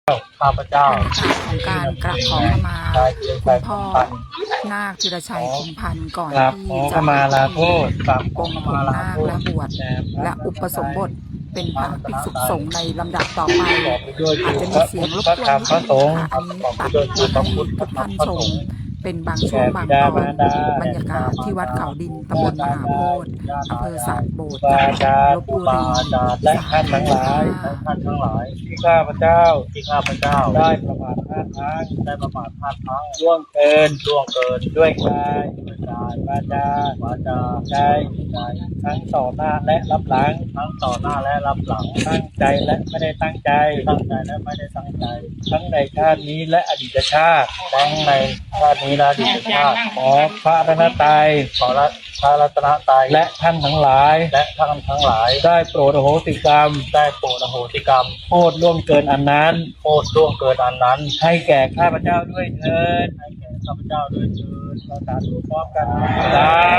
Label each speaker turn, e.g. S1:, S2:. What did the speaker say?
S1: ข้าพเจ้า
S2: ของการกราบขอขมาคุณพ่อนาคธีรชัยคงพันธ์ก่อนที่จะ
S1: มาลาโทษ
S2: ปลงผมนาคและบวชและอุปสมบทเป็นพระภิกษุสงฆ์ในลำดับต่อไปอาจจะมีเสียงรบกวนนิดนึงค่ะอันนี้ตัดมาให้ทุกท่านชมเป็นบางช่วงบางตอนบรรยากาศที่วัดเขาดินตำบลมหาโพธิ์อำเภอสะโบดจังหวัดลบบุรี
S1: และท่านทั้งหลายที่ข้าพเจ้าได้ประมาทพลาดพลั้งล่วงเกินด้วยกายวาจาใจทั้งต่อหน้าและรับหลังตั้งใจและไม่ได้ตั้งใจทั้งในชาตินี้และอดีตชาติขอพระรัตนตรัยและท่านทั้งหลายได้โปรดอโหสิกรรมโทษล่วงเกินอันนั้นให้แก่ข้าพเจ้าด้วยเถิดเราสาธุพร้อมกันสา